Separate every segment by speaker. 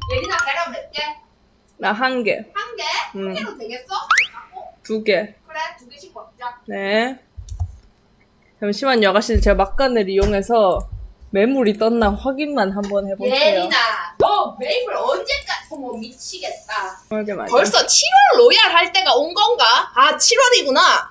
Speaker 1: 예린아 계란 몇 개?
Speaker 2: 나 한 개.
Speaker 1: 한 개? 한 개로 되겠어?
Speaker 2: 두 개.
Speaker 1: 그래, 두 개씩 먹자.
Speaker 2: 네. 잠시만요, 아가씨. 제가 막간을 이용해서 매물이 떴나 확인만 한번 해볼게요.
Speaker 1: 예린아, 너 메이플 언제까지? 어머 미치겠다.
Speaker 2: 맞아.
Speaker 1: 벌써 7월 로얄 할 때가 온 건가? 아 7월이구나.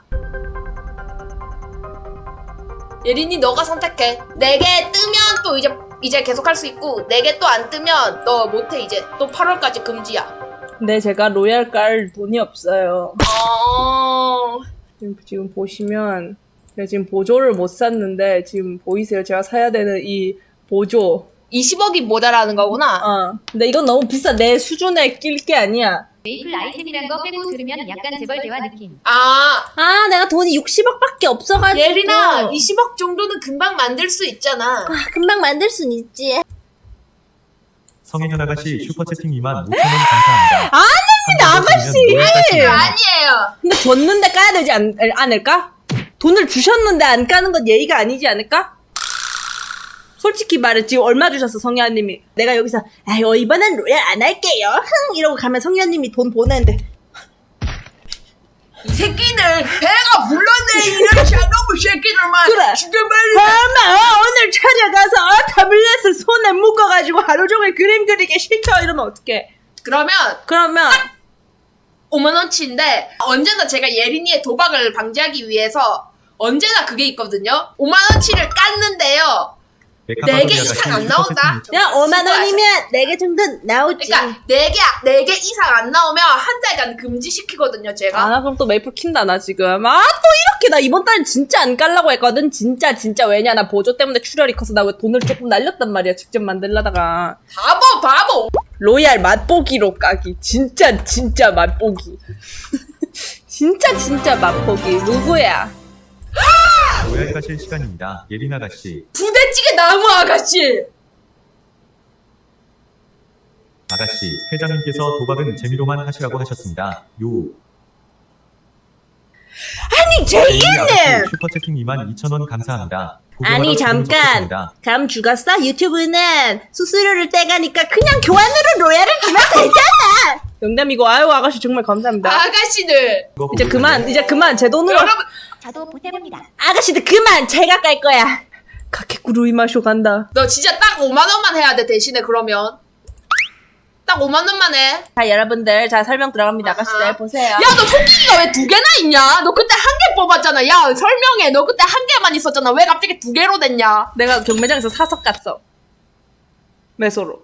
Speaker 1: 예린이 너가 선택해. 4개 뜨면 또 이제 계속 할 수 있고 4개 또 안 뜨면 너 못해. 이제 또 8월까지 금지야.
Speaker 2: 근데 제가 로얄 깔 돈이 없어요.
Speaker 1: 어...
Speaker 2: 지금 보시면 제가 지금 보조를 못 샀는데 지금 보이세요? 제가 사야 되는 이 보조.
Speaker 1: 20억이 모자라는 거구나.
Speaker 2: 근데 이건 너무 비싸. 내 수준에 낄 게 아니야.
Speaker 3: 메이플 아이템이란 거 빼고 들으면 약간 재벌 대화 느낌.
Speaker 1: 아
Speaker 2: 내가 돈이 60억밖에 없어가지고.
Speaker 1: 예린아 20억 정도는 금방 만들 수 있잖아.
Speaker 2: 금방 만들 순 있지.
Speaker 4: 성인현 아가씨 슈퍼채팅 25,000원 감사합니다.
Speaker 2: 아가씨!
Speaker 1: 아니에요.
Speaker 2: 근데 줬는데 까야 되지 않을까? 돈을 주셨는데 안 까는 건 예의가 아니지 않을까? 솔직히 말해 지금 얼마 주셨어 성현님이. 내가 여기서 아유 이번엔 로얄 안 할게요 흥 이러고 가면 성현님이 돈 보내는데
Speaker 1: 이 새끼들 배가 불렀네. 이런 샤너브 새끼들만
Speaker 2: 그래.
Speaker 1: 죽여버려.
Speaker 2: 엄마 오늘 찾아가서 타블렛을 손에 묶어가지고 하루 종일 그림 그리기 싫다 이러면 어떡해.
Speaker 1: 그러면
Speaker 2: 그러면
Speaker 1: 5만원치인데 언제나 제가 예린이의 도박을 방지하기 위해서 언제나 그게 있거든요. 5만원치를 깠는데요. 4개 이상 안 나온다.
Speaker 2: 야 5만원이면 4개 정도 나오지.
Speaker 1: 그러니까 4개 이상 안 나오면 한 달간 금지시키거든요 제가.
Speaker 2: 그럼 또 메이플 킨다 나 지금. 또 이렇게 나 이번 달은 진짜 안 깔라고 했거든. 진짜 왜냐 나 보조 때문에 출혈이 커서 나 왜 돈을 조금 날렸단 말이야 직접 만들려다가.
Speaker 1: 바보.
Speaker 2: 로얄 맛보기로 까기. 진짜 맛보기. 진짜 맛보기. 누구야?
Speaker 4: 로얄 가실 시간입니다. 예린 아가씨.
Speaker 1: 부대찌개 나무 아가씨.
Speaker 4: 아가씨, 회장님께서 도박은 재미로만 하시라고 하셨습니다.
Speaker 2: 아니
Speaker 4: 예린
Speaker 2: 제이님.
Speaker 4: 아가씨 슈퍼채팅 22,000원 감사합니다.
Speaker 2: 아니
Speaker 4: 고교하러
Speaker 2: 잠깐.
Speaker 4: 좋겠습니다.
Speaker 2: 감 죽었어? 유튜브는 수수료를 떼가니까 그냥 교환으로 로얄을 주면 되잖아. 농담이고 아유 아가씨 정말 감사합니다.
Speaker 1: 아가씨들.
Speaker 4: 이거
Speaker 2: 이제
Speaker 4: 보고
Speaker 2: 그만 제 돈으로.
Speaker 1: 여러분
Speaker 3: 저도 보태봅니다.
Speaker 2: 아가씨들 그만 제가 깔 거야. 가케꾸루이 마쇼 간다.
Speaker 1: 너 진짜 딱 5만원만 해야 돼 대신에. 그러면 딱 5만원만 해.
Speaker 2: 자 여러분들 자 설명 들어갑니다. 아가씨들
Speaker 1: 아하.
Speaker 2: 보세요.
Speaker 1: 야 너 토끼가 왜 2개나 있냐? 너 그때 1개 뽑았잖아. 야 설명해. 너 그때 1개만 있었잖아. 왜 갑자기 2개로 됐냐?
Speaker 2: 내가 경매장에서 사서 깠어. 매소로.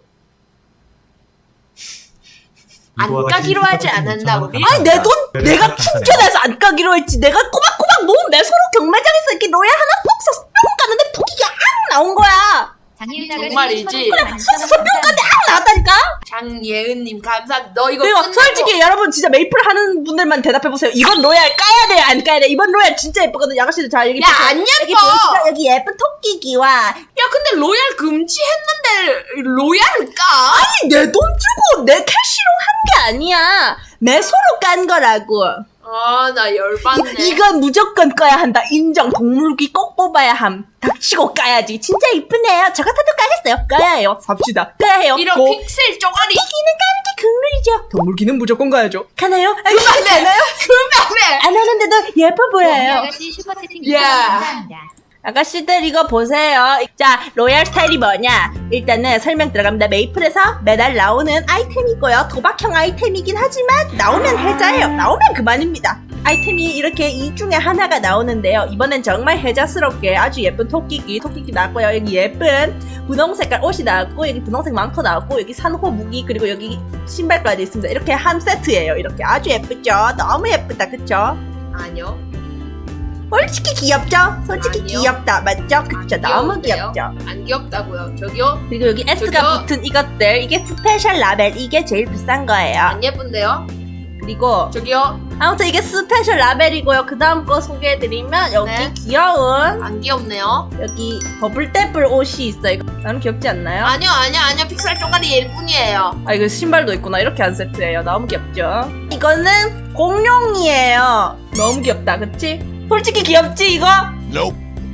Speaker 1: 안
Speaker 4: 이거 아가씨
Speaker 1: 까기로 하지
Speaker 4: 슈퍼채팅
Speaker 1: 않았나
Speaker 4: 2,000원
Speaker 1: 우리?
Speaker 2: 아니 내 돈
Speaker 4: 감사합니다.
Speaker 2: 내가 충전해서 안 까기로 했지. 내가 꼬박꼬박 모은 매소로 경매장에서 이렇게 로얄 하나 쏙 사서 뿅 까는데 토끼가 앙 나온 거야.
Speaker 3: 장일
Speaker 1: 정말이지.
Speaker 2: 나왔다니까.
Speaker 1: 장예은님 감사합니다. 너 이거
Speaker 2: 그리고
Speaker 1: 끝내고
Speaker 2: 솔직히 여러분 진짜 메이플 하는 분들만 대답해보세요. 이번 로얄 까야 돼요 안 까야 돼? 이번 로얄 진짜 예쁘거든. 아가씨들 자 여기
Speaker 1: 야,
Speaker 2: 보세요.
Speaker 1: 안 예뻐.
Speaker 2: 여기 보이시죠? 여기 예쁜 토끼기와
Speaker 1: 야 근데 로얄 금지했는데 로얄을 까?
Speaker 2: 아니 내 돈 주고 내 캐시로 한 게 아니야. 매소로 깐 거라고.
Speaker 1: 아 나 열받네.
Speaker 2: 이건 무조건 까야 한다. 인정. 동물기 꼭 뽑아야 함. 닥치고 까야지. 진짜 이쁘네요. 저 같아도 까겠어요. 까야 해요. 삽시다. 까야 해요.
Speaker 1: 이런
Speaker 2: 고.
Speaker 1: 픽셀 쪼가리.
Speaker 2: 토끼기는 까는 게 국룰이죠. 동물기는 무조건 가야죠. 가나요?
Speaker 1: 그만해. 그만해.
Speaker 2: 안 하는데도 예뻐 보여요.
Speaker 3: 아가씨 슈퍼채팅
Speaker 1: 야.
Speaker 3: 2,000원 감사합니다.
Speaker 2: 아가씨들 이거 보세요. 자 로얄 스타일이 뭐냐. 일단은 설명 들어갑니다. 메이플에서 매달 나오는 아이템이고요. 도박형 아이템이긴 하지만 나오면 해자예요. 나오면 그만입니다. 아이템이 이렇게 이 중에 하나가 나오는데요. 이번엔 정말 해자스럽게 아주 예쁜 토끼기 나왔고요. 여기 예쁜 분홍 색깔 옷이 나왔고 여기 분홍색 망토 나왔고 여기 산호 무기 그리고 여기 신발까지 있습니다. 이렇게 한 세트예요. 이렇게 아주 예쁘죠? 너무 예쁘다 그쵸?
Speaker 1: 아니요.
Speaker 2: 솔직히 귀엽죠? 솔직히
Speaker 1: 아니요.
Speaker 2: 귀엽다 맞죠? 그쵸? 너무
Speaker 1: 귀여운데요?
Speaker 2: 귀엽죠?
Speaker 1: 안 귀엽다고요. 저기요.
Speaker 2: 그리고 여기 S가
Speaker 1: 저기요.
Speaker 2: 붙은 이것들 이게 스페셜 라벨 이게 제일 비싼 거예요.
Speaker 1: 안 예쁜데요?
Speaker 2: 그리고
Speaker 1: 저기요.
Speaker 2: 아무튼 이게 스페셜 라벨이고요. 그 다음 거 소개해드리면 여기
Speaker 1: 네.
Speaker 2: 귀여운
Speaker 1: 안 귀엽네요.
Speaker 2: 여기 버블떼블 옷이 있어요. 나는 귀엽지 않나요?
Speaker 1: 아니요. 픽셀 쪼가리일 뿐이에요.
Speaker 2: 이거 신발도 있구나. 이렇게 한 세트예요. 너무 귀엽죠? 이거는 공룡이에요. 너무 귀엽다 그치? 솔직히 귀엽지 이거?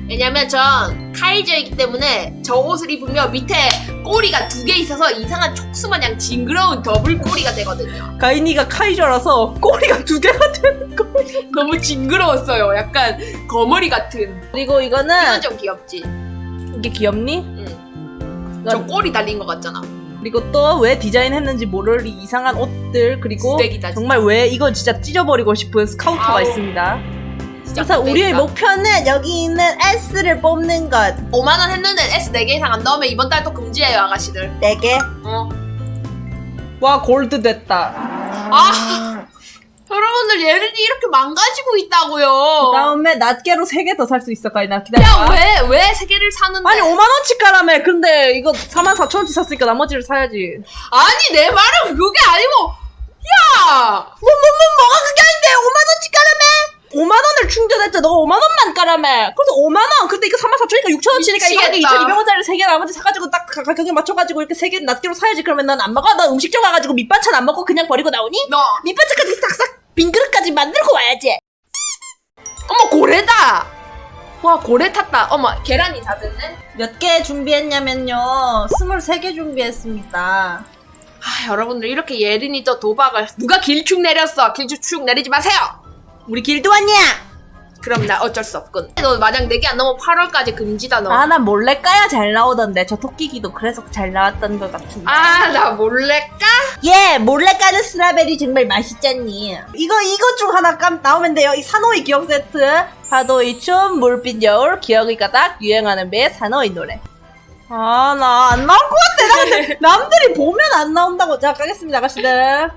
Speaker 1: 왜냐면 전 카이저이기 때문에 저 옷을 입으면 밑에 꼬리가 2개 있어서 이상한 촉수마냥 징그러운 더블 꼬리가 되거든요.
Speaker 2: 가인이가 카이저라서 꼬리가 2개가 되는 거.
Speaker 1: 너무 징그러웠어요. 약간 거머리 같은.
Speaker 2: 그리고
Speaker 1: 이건
Speaker 2: 이거는
Speaker 1: 좀 귀엽지?
Speaker 2: 이게 귀엽니?
Speaker 1: 응. 저 꼬리 달린 것 같잖아.
Speaker 2: 그리고 또 왜 디자인했는지 모를 이 이상한 옷들 그리고
Speaker 1: 쓰레기다, 진짜.
Speaker 2: 정말 왜 이거 진짜 찢어버리고 싶은 스카우터가
Speaker 1: 아우.
Speaker 2: 있습니다.
Speaker 1: 진짜
Speaker 2: 그래서 우리의
Speaker 1: 쓰레기다.
Speaker 2: 목표는 여기 있는 S를 뽑는 것.
Speaker 1: 5만원 했는데 S 4개 이상 안 넣으면 이번 달 또 금지예요, 아가씨들.
Speaker 2: 4개.
Speaker 1: 어.
Speaker 2: 와 골드 됐다.
Speaker 1: 아! 여러분들 예린이 이렇게 망가지고 있다고요.
Speaker 2: 그다음에 낱개로 3개 더 살 수 있어 가인아. 기다려.
Speaker 1: 야, 왜 3개를 사는데?
Speaker 2: 아니 5만원치 까라며. 근데 이거 44,000원치 샀으니까 나머지를 사야지.
Speaker 1: 아니, 내 말은 그게 아니고, 야!
Speaker 2: 뭐가 그게 아닌데 5만원치 까라며. 5만원을 충전했죠. 너가 5만원만 까라며. 그래서 5만원. 근데 이거 44,000원이니까 6,000원치니까 이거
Speaker 1: 미치겠다.
Speaker 2: 2,200원짜리 3개 나머지 사가지고 딱 가격에 맞춰가지고 이렇게 3개 낱개로 사야지. 그러면 난 안 먹어. 난 음식점 가가지고 밑반찬 안 먹고 그냥 버리고 나오니?
Speaker 1: 너,
Speaker 2: 밑반찬까지 싹싹 빈 그릇까지 만들고 와야지.
Speaker 1: 어머, 고래다! 와, 고래 탔다. 어머, 계란이 다 됐네?
Speaker 2: 몇 개 준비했냐면요. 23개 준비했습니다.
Speaker 1: 아, 여러분들 이렇게 예린이 또 도박을 누가 길쭉 내렸어. 길쭉 축 내리지 마세요.
Speaker 2: 우리 길드 왔냐?
Speaker 1: 그럼 나 어쩔 수 없군. 너 만약 4개 안 넘으면 8월까지 금지다 너.
Speaker 2: 아, 난 몰래 까야 잘 나오던데. 저 토끼기도 그래서 잘 나왔던 것 같은데.
Speaker 1: 아, 나 몰래 까?
Speaker 2: 예, 몰래 까는 스트로베리 정말 맛있잖니. 이거 중 하나 나오면 돼요. 이 사노이 기억 세트. 파도의 춤, 물빛 여울, 기억이 가닥, 유행하는 배, 사노이 노래. 아, 나 안 나올 것 같아. 남들이 보면 안 나온다고. 자, 까겠습니다, 아가씨들.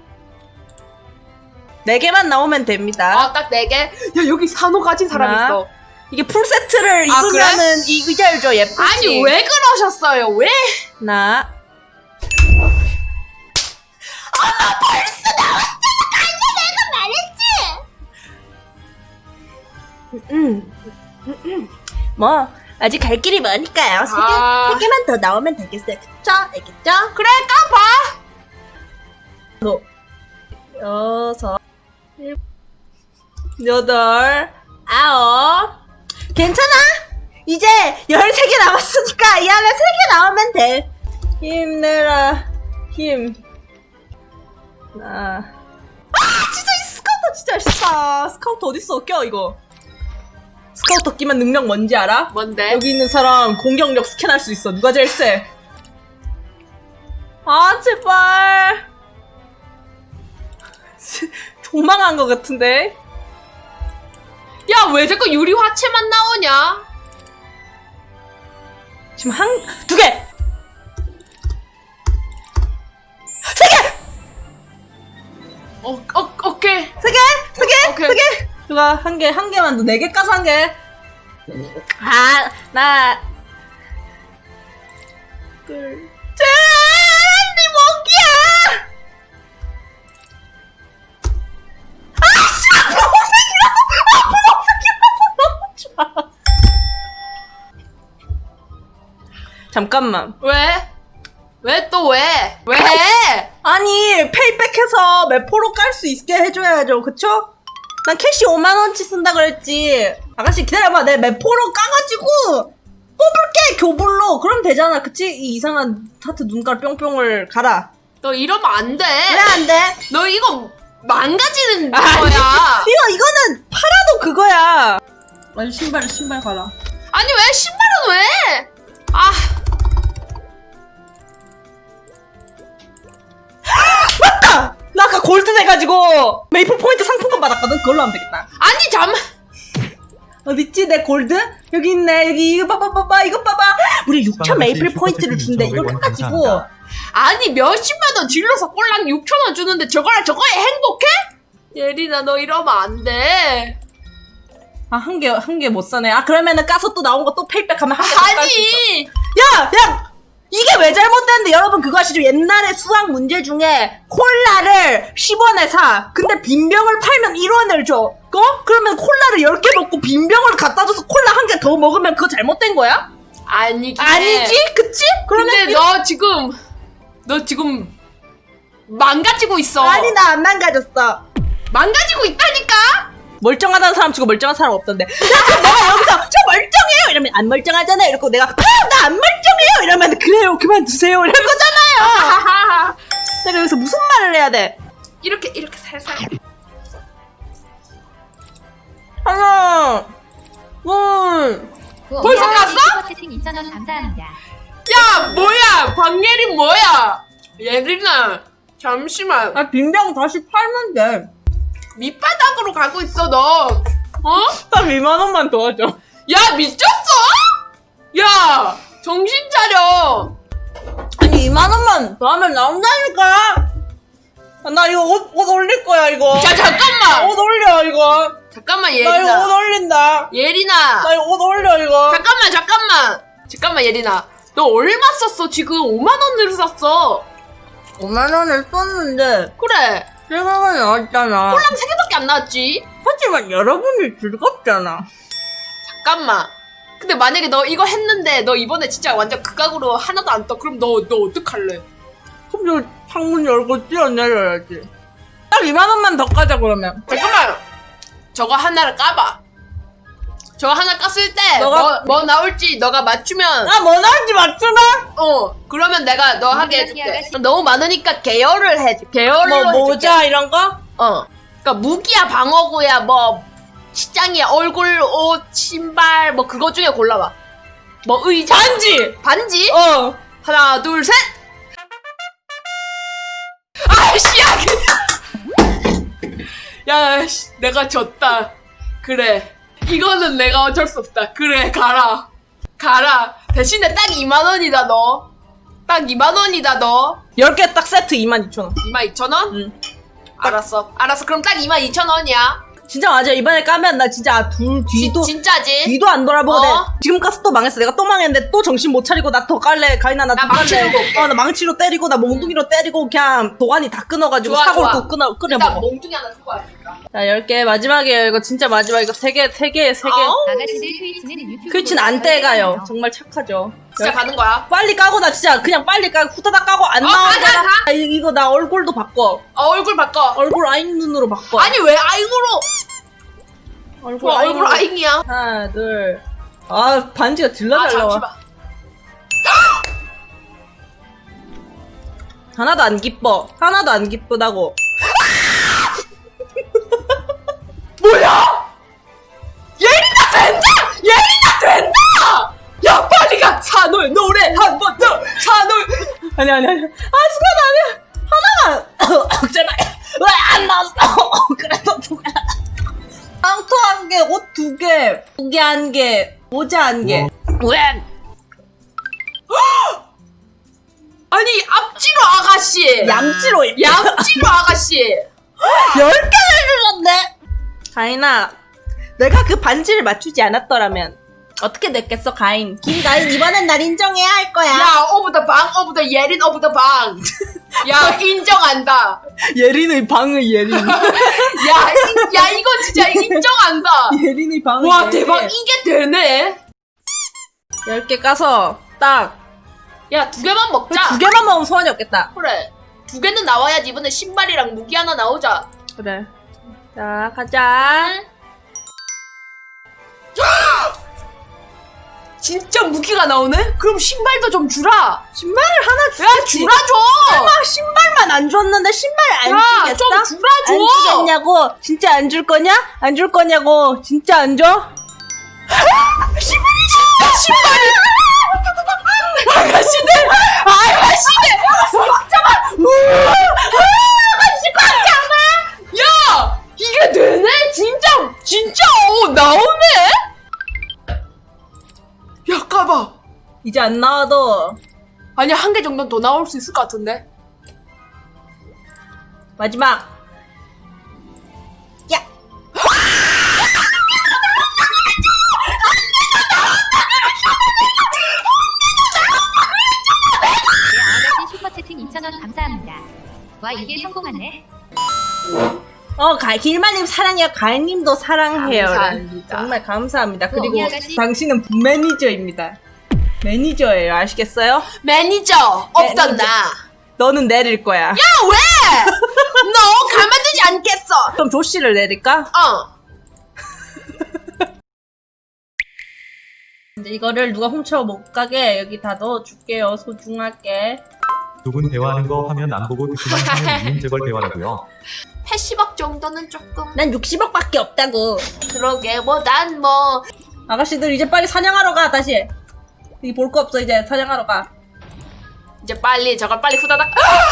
Speaker 2: 4개만 나오면 됩니다.
Speaker 1: 아, 딱 4개? 야, 여기 산호 가진 사람
Speaker 2: 하나.
Speaker 1: 있어.
Speaker 2: 이게 풀세트를
Speaker 1: 아,
Speaker 2: 입으면은 이 의자를 줘, 예쁘지?
Speaker 1: 아니, 왜 그러셨어요? 왜?
Speaker 2: 하나. 뭐 아직 갈 길이 머니까요.
Speaker 1: 아.
Speaker 2: 3개만 더 나오면 되겠어요. 그쵸? 알겠죠?
Speaker 1: 그래, 까봐.
Speaker 2: 6, 7, 8, 9. 괜찮아? 이제 13개 남았으니까 이 안에 3개 나오면 돼. 힘내라. 힘. 진짜 이 스카우터 진짜 멋있다. 스카우터 어딨어? 껴 이거. 스카우터 끼면 능력 뭔지 알아?
Speaker 1: 뭔데?
Speaker 2: 여기 있는 사람 공격력 스캔할 수 있어. 누가 제일 세? 아 제발. 도망한 것 같은데.
Speaker 1: 야, 왜 자꾸 유리 화채만 나오냐?
Speaker 2: 지금 2개! 3개!
Speaker 1: 오케이.
Speaker 2: 3개!
Speaker 1: 오케이.
Speaker 2: 3개! 누가 한 개만 더 4개 까서 한 개. 아, 나. 둘. 네 목이야! 너무 좋아. 잠깐만.
Speaker 1: 왜? 왜 또 왜? 왜 해?
Speaker 2: 아니 페이백해서 매포로 깔 수 있게 해줘야죠. 그쵸? 난 캐시 5만원치 쓴다 그랬지. 아가씨 기다려봐. 내 매포로 까가지고 뽑을게. 교불로. 그럼 되잖아. 그치? 이 이상한 하트 눈깔 뿅뿅을 가라.
Speaker 1: 너 이러면 안 돼.
Speaker 2: 왜 안 돼?
Speaker 1: 너 이거 망가지는
Speaker 2: 아니.
Speaker 1: 거야.
Speaker 2: 이거는 팔아도 그거야. 아니 신발 가라.
Speaker 1: 아니, 왜 신발은 왜? 아,
Speaker 2: 나 아까 골드 돼가지고 메이플 포인트 상품권 받았거든. 그걸로 하면 되겠다.
Speaker 1: 아니, 잠.
Speaker 2: 어딨지 내 골드? 여기 있네. 여기 이거 봐봐. 이거 봐봐. 우리 6,000 메이플 포인트를 준대. 이걸 해가지고
Speaker 4: 감사합니다.
Speaker 1: 아니, 몇십만 원 질러서 꼴랑 6,000원 주는데 저거랑 저거에 행복해? 예린아, 너 이러면 안 돼.
Speaker 2: 아, 한 개 못 사네. 아, 그러면은 까서 또 나온 거 또 페이백하면 한 개 더 깔 수 있어.
Speaker 1: 아니,
Speaker 2: 야! 이게 왜 잘못됐는데 여러분 그거 아시죠? 옛날에 수학 문제 중에 콜라를 10원에 사. 근데 빈병을 팔면 1원을 줘. 그러면 콜라를 10개 먹고 빈병을 갖다 줘서 콜라 한 개 더 먹으면 그거 잘못된 거야?
Speaker 1: 아니지.
Speaker 2: 아니지? 그치? 그러면
Speaker 1: 근데 너 지금 망가지고 있어.
Speaker 2: 아니 나 안 망가졌어.
Speaker 1: 망가지고 있다니까?
Speaker 2: 멀쩡하다는 사람 치고 멀쩡한 사람 없던데. 야, 그럼 내가 여기서 첫 멀쩡해요 이러면 안 멀쩡하잖아요. 이러고 내가 나 안 멀쩡해요 이러면 그래요 그만두세요 이럴 거잖아요. 내가 여기서 무슨 말을 해야 돼?
Speaker 1: 이렇게 살살.
Speaker 2: 하나 둘
Speaker 1: 벌써 갔어?
Speaker 3: 슈퍼채팅 2,000원 감사합니다.
Speaker 1: 야 뭐야 박예린 뭐야? 예린아 잠시만.
Speaker 2: 아, 빈병 다시 팔면 돼.
Speaker 1: 밑바닥으로 가고 있어 너. 어?
Speaker 2: 딱 2만 원만 도와줘.
Speaker 1: 야 미쳤어? 야 정신 차려.
Speaker 2: 아니 2만 원만 더 하면 나온다니까. 아, 나 이거 옷 올릴 거야 이거.
Speaker 1: 자 잠깐만.
Speaker 2: 옷 올려 이거.
Speaker 1: 잠깐만
Speaker 2: 나 이거 옷
Speaker 1: 예린아.
Speaker 2: 올린다.
Speaker 1: 예린아.
Speaker 2: 나 이거 옷 올려 이거.
Speaker 1: 잠깐만 예린아. 너 얼마 썼어? 지금 5만 원을 썼어.
Speaker 2: 5만 원을 썼는데
Speaker 1: 그래.
Speaker 2: 세금은 나왔잖아.
Speaker 1: 콜랑 3개밖에 안 나왔지.
Speaker 2: 하지만 여러분이 즐겁잖아.
Speaker 1: 잠깐만. 근데 만약에 너 이거 했는데 너 이번에 진짜 완전 극악으로 하나도 안 떠. 그럼 너 어떡할래?
Speaker 2: 그럼 저 창문 열고 뛰어내려야지. 딱 2만 원만 더 까자 그러면.
Speaker 1: 잠깐만. 저거 하나를 까봐. 저거 하나 깠을 때 뭐 나올지 너가 맞추면
Speaker 2: 아, 뭐 나올지 맞추나?
Speaker 1: 그러면 내가 너 하게 해줄게. 너무 많으니까 계열을 해줘. 계열로
Speaker 2: 뭐
Speaker 1: 해줄게.
Speaker 2: 모자 이런 거?
Speaker 1: 그러니까 무기야 방어구야 뭐 시장이야 얼굴 옷 신발 뭐 그거 중에 골라봐. 뭐 의자 반지 하나 둘 셋. 아이씨 야 씨, 내가 졌다. 그래 이거는 내가 어쩔 수 없다. 그래 가라 대신에 딱 2만 원이다 너. 딱 2만 원이다 너.
Speaker 2: 10개 딱 세트 22,000원.
Speaker 1: 22,000원?
Speaker 2: 응.
Speaker 1: 알았어 그럼 딱 22,000원이야.
Speaker 2: 진짜 맞아. 이번에 까면 나 진짜 뒤도
Speaker 1: 진짜지?
Speaker 2: 뒤도 안 돌아보고
Speaker 1: 어?
Speaker 2: 지금 까서 또 망했어. 내가 또 망했는데 또 정신 못 차리고 나 더 깔래. 가인아 나
Speaker 1: 나
Speaker 2: 더 깔래.
Speaker 1: 망치 들고 올게.
Speaker 2: 나 망치로 때리고 나 몽둥이로 때리고 그냥 도가니 다 끊어가지고
Speaker 1: 좋아,
Speaker 2: 사골
Speaker 1: 좋아.
Speaker 2: 또 끓여
Speaker 1: 일단
Speaker 2: 먹어.
Speaker 1: 몽둥이 하나 들고 와야겠다.
Speaker 2: 자 10개 마지막이에요. 이거 진짜 마지막. 이거 3개.
Speaker 3: 아가씨들 트위치는 유튜브
Speaker 2: 트위치는 안 떼가요. 정말 착하죠.
Speaker 1: 진짜 가는 거야.
Speaker 2: 빨리 까고 나 진짜 그냥 빨리 까고 후다닥 까고 안 나오잖아.
Speaker 1: 가.
Speaker 2: 아, 이거 나 얼굴도 바꿔.
Speaker 1: 얼굴 바꿔.
Speaker 2: 얼굴 아잉 눈으로 바꿔.
Speaker 1: 아니 왜 아잉으로?
Speaker 2: 얼굴
Speaker 1: 얼굴 아잉이야.
Speaker 2: 하나 둘. 아 반지가 질러 잘 나와.
Speaker 1: 잠시만.
Speaker 2: 하나도 안 기뻐. 하나도 안 기쁘다고.
Speaker 1: 뭐야? 예린아 된다! 야 빨리 가. 산울 노래 한 번 더. 산울.
Speaker 2: 아니. 아 순간 아니야. 하나만. 제발. 왜 안 나왔어? 그래도 2개. 망토 1개, 옷 2개, 무게 1개, 모자 1개. 왜?
Speaker 1: 아니 앞지로 아가씨.
Speaker 2: 얌찌로 입.
Speaker 1: 얌찌로 아가씨.
Speaker 2: 10개를 눌렀네. 가인아, 내가 그 반지를 맞추지 않았더라면 어떻게 됐겠어, 가인? 김가인 이번엔 날 인정해야 할 거야.
Speaker 1: 야 오브 더 방 오브 더 예린 오브 더 방. 야 인정한다.
Speaker 2: 예린의 방의 예린.
Speaker 1: 야 이거 진짜 인정한다.
Speaker 2: 예린의 방의
Speaker 1: 와
Speaker 2: 예린.
Speaker 1: 대박 이게 되네.
Speaker 2: 10개 까서 딱.
Speaker 1: 야 2개만 먹자.
Speaker 2: 2개만 먹으면 소원이 없겠다.
Speaker 1: 그래 2개는 나와야지. 이번에 신발이랑 무기 하나 나오자.
Speaker 2: 그래. 자, 가자.
Speaker 1: 진짜 무기가 나오네? 그럼 신발도 좀 주라.
Speaker 2: 신발을 하나
Speaker 1: 야
Speaker 2: 주겠지.
Speaker 1: 주라 줘.
Speaker 2: 설마 신발만 안 줬는데 신발 안
Speaker 1: 야
Speaker 2: 주겠어?
Speaker 1: 좀 주라 줘.
Speaker 2: 안 주겠냐고? 진짜 안 줄 거냐? 안 줄 거냐고? 진짜 안 줘?
Speaker 1: 신발이 아가씨들 야 이게 되네? 진짜 나오네? 야 까봐.
Speaker 2: 이제 안 나와도
Speaker 1: 아니 1개 정도는 더 나올 수 있을 것 같은데.
Speaker 2: 마지막. 야.
Speaker 3: 아가씨 슈퍼채팅 2,000원 감사합니다. 와 이게 성공하네.
Speaker 2: 길마님 사랑해요. 가인님도 사랑해요.
Speaker 1: 감사합니다.
Speaker 2: 정말 감사합니다. 그리고
Speaker 3: 이 아가씨.
Speaker 2: 당신은 매니저입니다. 매니저예요. 아시겠어요?
Speaker 1: 매니저 없던
Speaker 2: 매니저.
Speaker 1: 나.
Speaker 2: 너는 내릴 거야.
Speaker 1: 야 왜? 너 가만두지 않겠어.
Speaker 2: 그럼 조씨를 내릴까? 이제 이거를 누가 훔쳐 못 가게 여기 다 넣어줄게요. 소중하게.
Speaker 4: 두 분 대화하는 거 화면 안 보고 듣기만 하면 이윤 재벌 대화라고요.
Speaker 1: 80억 정도는 조금.
Speaker 2: 난 60억밖에 없다고.
Speaker 1: 그러게, 뭐, 난 뭐.
Speaker 2: 아가씨들 이제 빨리 사냥하러 가 다시. 여기 볼 거 없어 이제 사냥하러 가.
Speaker 1: 이제 빨리, 저걸 빨리 후다닥.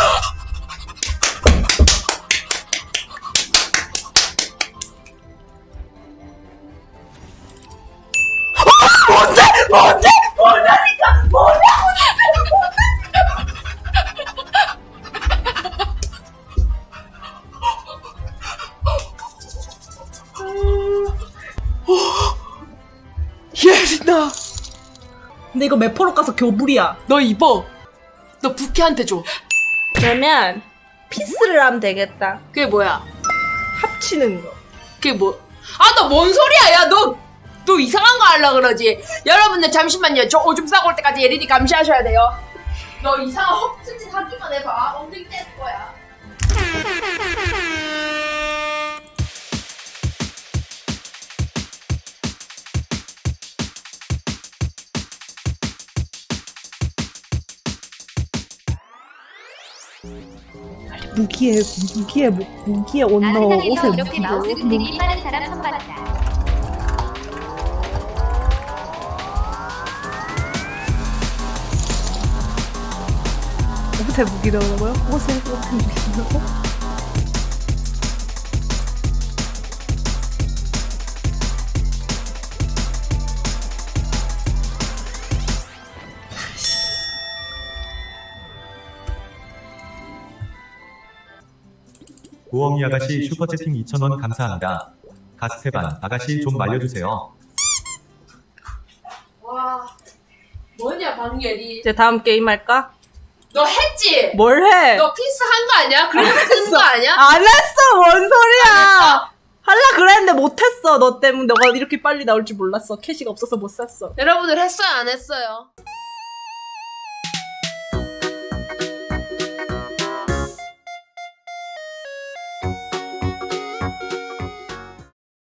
Speaker 1: 예린아,
Speaker 2: 근데 이거 매포로 가서 교불이야.
Speaker 1: 너 입어. 너 부캐한테 줘.
Speaker 2: 그러면 피스를 하면 되겠다.
Speaker 1: 그게 뭐야?
Speaker 2: 합치는 거.
Speaker 1: 그게 뭐? 아, 너 뭔 소리야? 야, 너 이상한 거 하려 그러지? 여러분들 잠시만요. 저 오줌 싸고 올 때까지 예린이 감시하셔야 돼요. 너 이상한 헛짓 하기만 해봐. 엉덩이 뗄 거야.
Speaker 2: 무기에 옷 넣어
Speaker 3: 나는 이렇게 마우스 흔들이 빠른 사람 선봤다.
Speaker 2: 옷에 무기 넣으라고요? 옷에 무기 넣으라고?
Speaker 4: 고엉이 아가씨 슈퍼채팅 2,000원 감사합니다. 가스테반 아가씨 좀 말려주세요.
Speaker 1: 와, 뭐냐 방예리.
Speaker 2: 이제 다음 게임 할까?
Speaker 1: 너 했지?
Speaker 2: 뭘 해?
Speaker 1: 너 피스 한 거 아니야? 그래서 뜬 거 아니야?
Speaker 2: 안 했어! 뭔 소리야!
Speaker 1: 안 했어?
Speaker 2: 할라 그랬는데 못했어. 너 때문에 너가 이렇게 빨리 나올 줄 몰랐어. 캐시가 없어서 못 샀어.
Speaker 1: 여러분들 했어요 안 했어요?